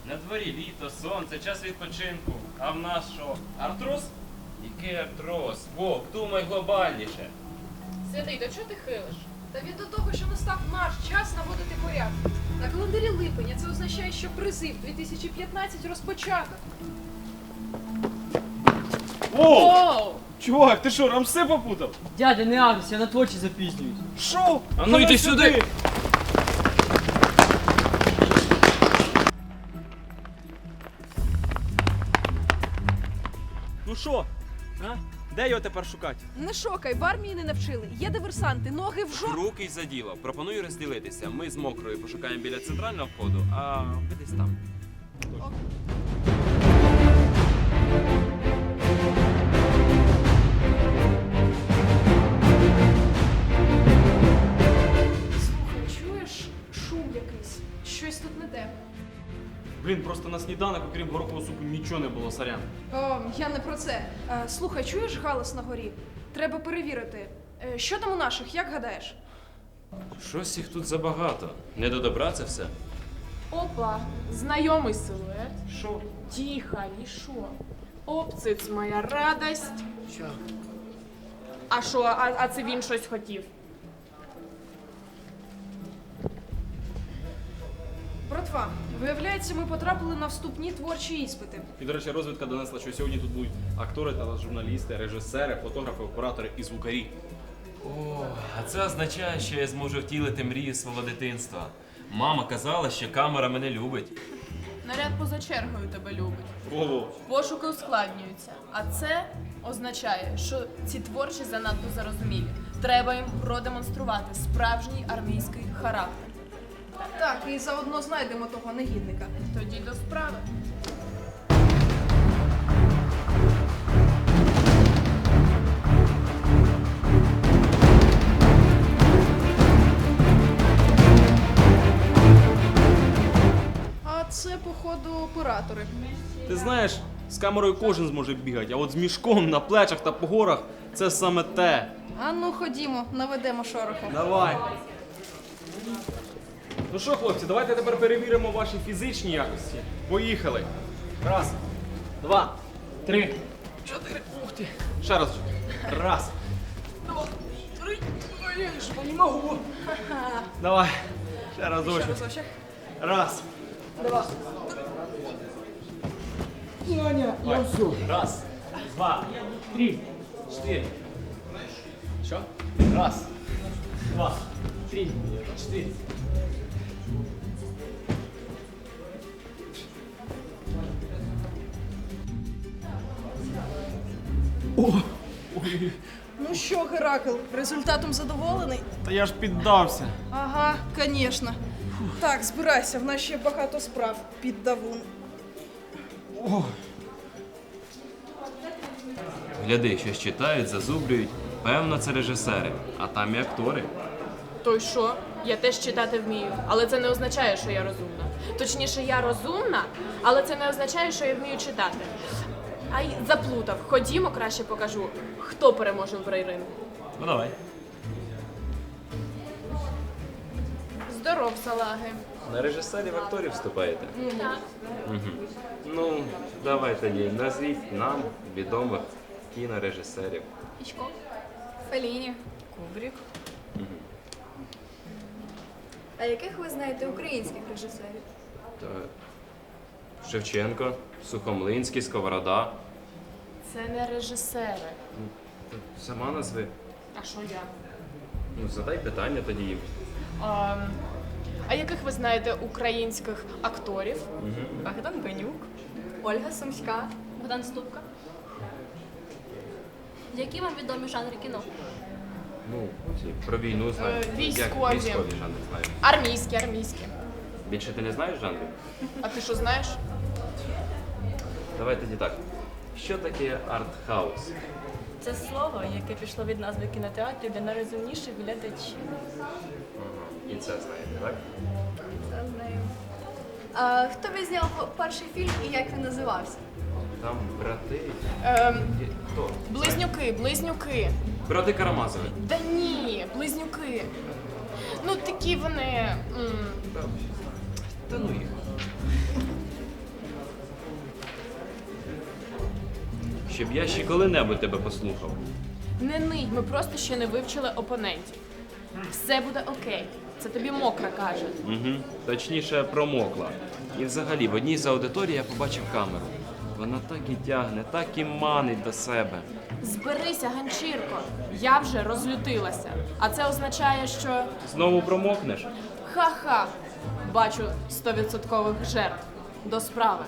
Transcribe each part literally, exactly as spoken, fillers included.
На дворі літо, сонце, час відпочинку. А в нас що? Артроз? Який артроз? Вовк, думай глобальніше. Святий, до чого ти хилиш? Та від до того, що настав наш час наводити порядок. На календарі липень, а це означає, що призив дві тисячі п'ятнадцять розпочато. О! Оу! Чувак, ти що, Рамси попутав? Дядя, не агрись, я на твочі запізнююсь. Що? А ну йди сюди! Ну що? А? Де його тепер шукати? Не шокай, в армії не навчили. Є диверсанти, ноги в жо... Руки й за діло. Пропоную розділитися. Ми з мокрою пошукаємо біля центрального входу, а ви десь там. Слухай, чуєш шум якийсь? Щось тут не те. Блін, просто на сніданок, окрім горохового супу, нічого не було, сорян. О, я не про це. Е, слухай, чуєш галас на горі? Треба перевірити. Е, що там у наших, як гадаєш? Щось їх тут забагато. Не до добра це все. Опа, знайомий силует. Що? Тихо, і що? Обциц моя радость. Що? А що, а, а це він щось хотів? Братва, виявляється, ми потрапили на вступні творчі іспити. І, до речі, розвідка донесла, що сьогодні тут будуть актори, тележурналісти, режисери, фотографи, оператори і звукарі. О, а це означає, що я зможу втілити мрію свого дитинства. Мама казала, що камера мене любить. Наряд поза чергою тебе любить. Ого. Пошуки ускладнюються. А це означає, що ці творчі занадто зарозумілі. Треба їм продемонструвати справжній армійський характер. Так, і заодно знайдемо того негідника. Тоді до справи. А це, походу, оператори. Ти знаєш, з камерою кожен зможе бігати, а от з мішком на плечах та по горах це саме те. А ну ходімо, наведемо шороху. Давай. Ну що, хлопці, давайте тепер перевіримо ваші фізичні якості. Поїхали. Раз, два, три, чотири. Ух ти. Ще раз. Раз. Два, три. Ой, я ж не можу. Давай. Ще разочок. Разочок. Раз. Два. Саня, я все. Раз, два, три, чотири. Що? Раз, два, три, чотири. О! Ой, Ну що, Геракл, результатом задоволений? та я ж піддався. Ага, звісно. Так, збирайся, в нас ще багато справ під давун. О, Гляди, щось читають, зазублюють. Певно, це режисери, а там і актори. То й що? Я теж читати вмію, але це не означає, що я розумна. Точніше, я розумна, але це не означає, що я вмію читати. Ай, заплутав. Ходімо, краще покажу, хто переможе в брейрингу. Ну давай. Здоров, салаги. На режисерів акторів вступаєте? Так. Угу. Ну, давай тоді, назвіть нам відомих кінорежисерів. Ічко, Феліні, Кубрік. А яких ви знаєте українських режисерів? Та... Шевченко, Сухомлинський, Сковорода. Це не режисери. Та Сама назви. А що я? Ну, задай питання тоді їм. А, а яких ви знаєте українських акторів? Богдан Бенюк, Ольга Сумська, Богдан Ступка. Які вам відомі жанри кіно? Ну, ці, про війну знаю. Е, Як військові. військові жанри знаю. Армійські, армійські. Більше ти не знаєш жанрів? А ти що знаєш? Давай тоді так. Що таке арт-хаус? Це слово, яке пішло від назви кінотеатрів для найрозумніших глядачів. Ага. І це знаєте, так? Це знаю. А хто відзняв перший фільм і як він називався? Там брати. Ем, Є- Хто? близнюки, близнюки. Брати Карамазови. Да ні, близнюки. Ну такі вони. М, Та, та ну їх. щоб я ще коли-небудь тебе послухав. Не нить, ми просто ще не вивчили опонентів. Все буде окей. Це тобі мокра каже. Угу. Точніше, промокла. І взагалі, в одній з аудиторій я побачив камеру. Вона так і тягне, так і манить до себе. Зберися, ганчірко. Я вже розлютилася. А це означає, що Знову промокнеш? ха-ха. Бачу стовідсоткових жертв. До справи.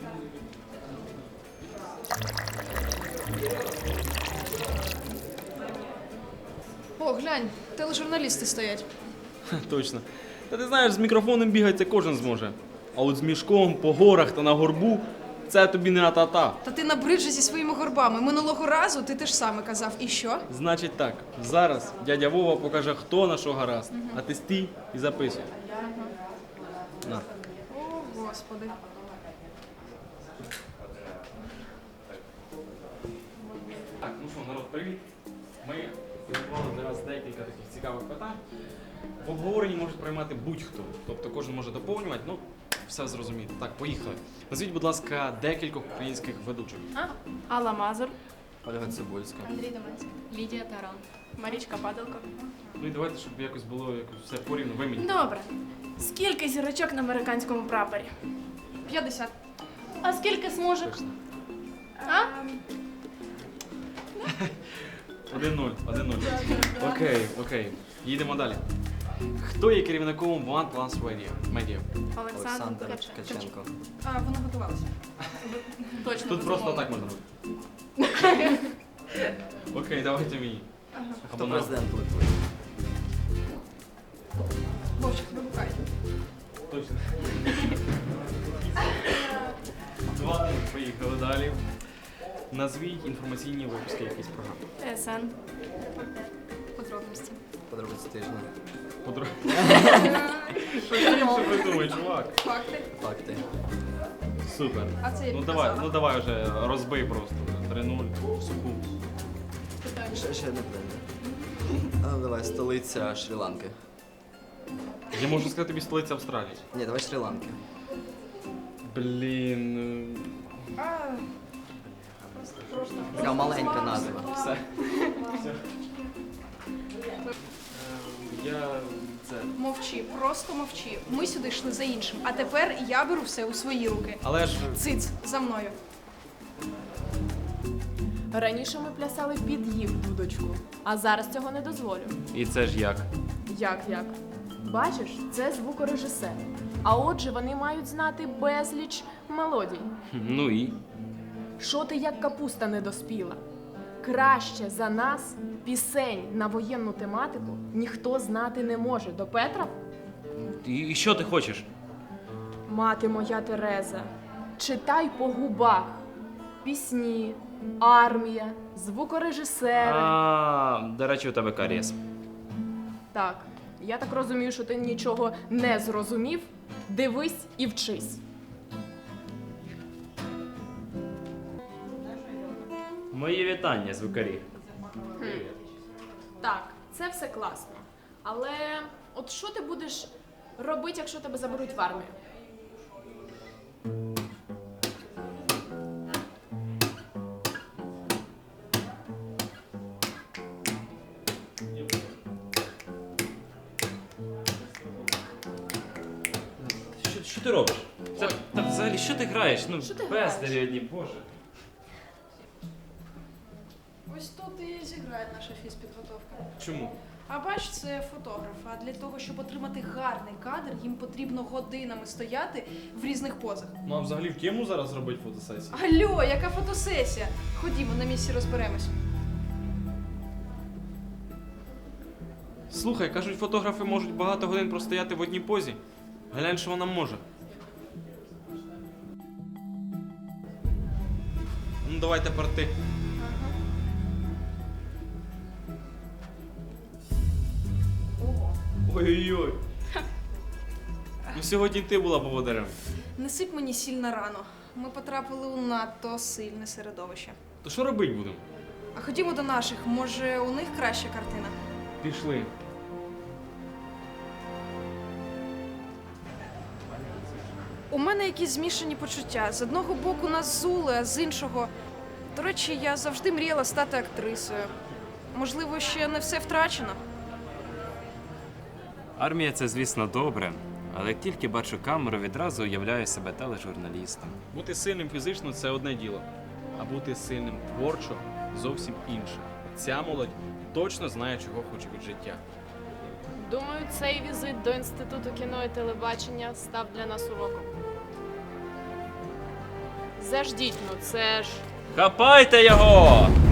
О, глянь, тележурналісти стоять. Точно. Та ти знаєш, з мікрофоном бігати це кожен зможе. А от з мішком по горах та на горбу це тобі не а-та-та. Та ти набрид же зі своїми горбами. Минулого разу ти те ж саме казав. І що? Значить так, зараз дядя Вова покаже, хто на що гаразд, а ти стій і записуй. На. О, Господи. Так, ну що, народ, привіт. Ми підготували для вас декілька таких цікавих питань. В обговоренні можуть приймати будь-хто. Тобто кожен може доповнювати, ну, все зрозуміти. Так, поїхали. Назвіть, будь ласка, декількох українських ведучих. Алла Мазур, Ольга Цибульська. Андрій Доманський. Лідія Таран, Марічка Падалко. Ну і давайте, щоб якось було якось все порівну. Ви мені. Добре. Скільки зірочок на американському прапорі? п'ятдесят. А скільки смужок? А? Один-нуль, один-нуль. Окей, окей. Їдемо далі. Хто є керівником One Plus Radio? Media? Олександр Каченко. А, вона готувалася. Точно. Тут просто так можна робити. Окей, давайте мені. Або Хто на- президент Литви? Вовчик, вибухай. Точно. Два, поїхали далі. Назвіть інформаційні випуски якісь програми. СН. Подробності. Подробиці тижня. Подро... Що інше придумай, чувак? Факти. Факти. Супер. А це я Ну підказала. давай, ну давай вже розбий просто. три-нуль, суху. Ще, ще не прийде. А, ну, давай, столиця Шрі-Ланки. Я можу сказати тобі столиця Австралії. Ні, давай Шрі-Ланки. Блін. А, Така маленька назва. Все. Все. Я це. мовчи, просто мовчи. Ми сюди йшли за іншим. А тепер я беру все у свої руки. Але ж Циц, за мною. Раніше ми плясали під їх дудочку, а зараз цього не дозволю. І це ж як? Як як? Бачиш, це звукорежисер. А отже, вони мають знати безліч мелодій. Ну і? Що ти як капуста не доспіла? Краще за нас пісень на воєнну тематику ніхто знати не може. До Петра? І, і що ти хочеш? Мати моя Тереза, читай по губах. Пісні, армія, звукорежисери. А, до речі, у тебе карієс. Так, я так розумію, що ти нічого не зрозумів. Дивись і вчись. Мої вітання, звукарі. Так, це все класно. Але от що ти будеш робити, якщо тебе заберуть в армію? Що, що ти робиш? Це, та взагалі, що ти граєш? Ну, Що ти бездарі граєш? одні, боже. Ось тут і зіграє наша фізпідготовка. чому? А бач, це фотограф. А для того, щоб отримати гарний кадр, їм потрібно годинами стояти в різних позах. Ну а взагалі в тему зараз робити фотосесію? Алло, яка фотосесія? Ходімо, на місці розберемось. Слухай, кажуть, фотографи можуть багато годин простояти в одній позі. Глянь, що вона може. Ну давай тепер ти. Ой-ой-ой. Ну сьогодні ти була поводирем. Не сип мені сіль на рану. Ми потрапили у надто сильне середовище. То що робити будемо? А ходімо до наших, може, у них краща картина. Пішли. У мене якісь змішані почуття. З одного боку нас зули, а з іншого. До речі, я завжди мріяла стати актрисою. Можливо, ще не все втрачено. Армія це, звісно, добре, але як тільки бачу камеру, відразу уявляю себе тележурналістом. Бути сильним фізично це одне діло, а бути сильним творчо зовсім інше. Ця молодь точно знає, чого хоче від життя. Думаю, цей візит до Інституту кіно і телебачення став для нас уроком. Заждіть, ну це ж. Хапайте його!